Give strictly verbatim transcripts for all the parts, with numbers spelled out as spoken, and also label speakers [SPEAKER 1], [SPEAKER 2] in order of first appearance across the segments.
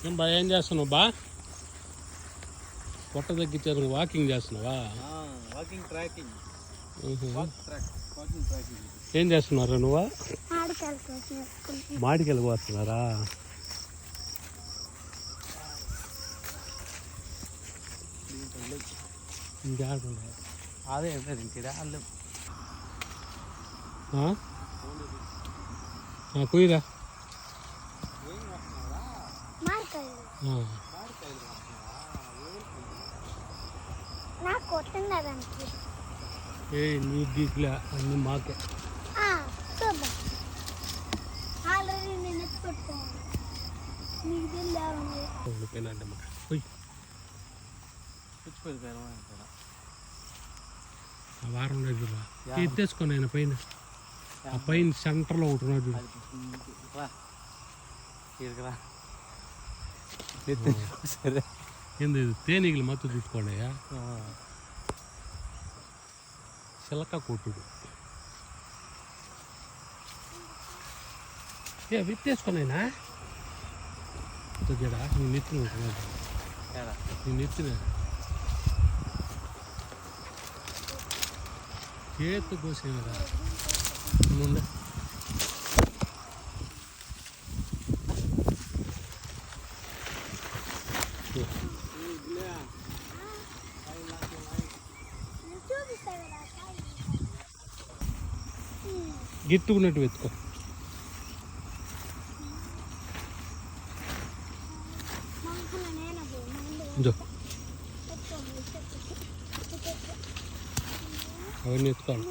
[SPEAKER 1] ఏం బా ఏం చేస్తున్నావు బా పొట్ట తగ్గించారు వాకింగ్ చేస్తున్నావా
[SPEAKER 2] వాకింగ్ ట్రాకింగ్
[SPEAKER 1] ఏం చేస్తున్నారు నువ్వు మాడికెళ్ళి పోతున్నారా
[SPEAKER 2] అదే ఇంటిరా వాళ్ళు
[SPEAKER 1] కుయ్యరా ఏ నీ గీకులే అన్నీ మాకే వారం రోజులు ఎత్తేసుకొని ఆయన పైన ఆ పైన సెంటర్లో ఒకటి రోజు
[SPEAKER 2] సరే
[SPEAKER 1] ఏంది తేనీగలు మత్తు చూసుకోండి చిలక కొట్టుడు ఏ విత్తేసుకున్నాయినా జడా నీ నెత్తిన ఉంటుంది నీ నెత్తిన చేతు కోసేవరా నుండి గిట్టుకున్నట్టు వెతుకో అవన్నీ ఎత్తుకోవాలి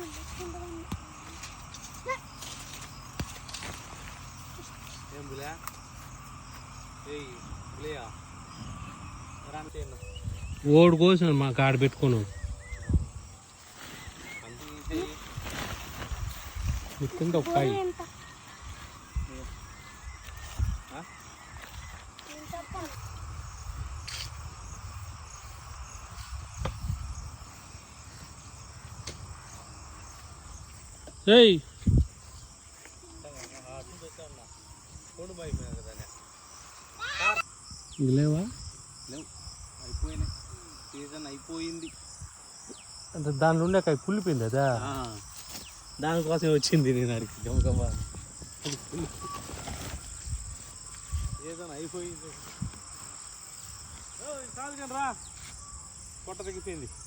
[SPEAKER 1] ఓడి కోసం మా కాడ పెట్టుకున్నావు కింద ఒక కాయ ఏయ్ లేవా
[SPEAKER 2] లేవు అయిపోయినాయి సీజన్ అయిపోయింది
[SPEAKER 1] అంటే దానిలో ఉండే కాయ కుళ్ళిపోయింది అదా
[SPEAKER 2] దానికోసం వచ్చింది నేను అడిగి గమగమా సీజన్ అయిపోయింది కాదు కానీ రా పొట్ట తగ్గిపోయింది.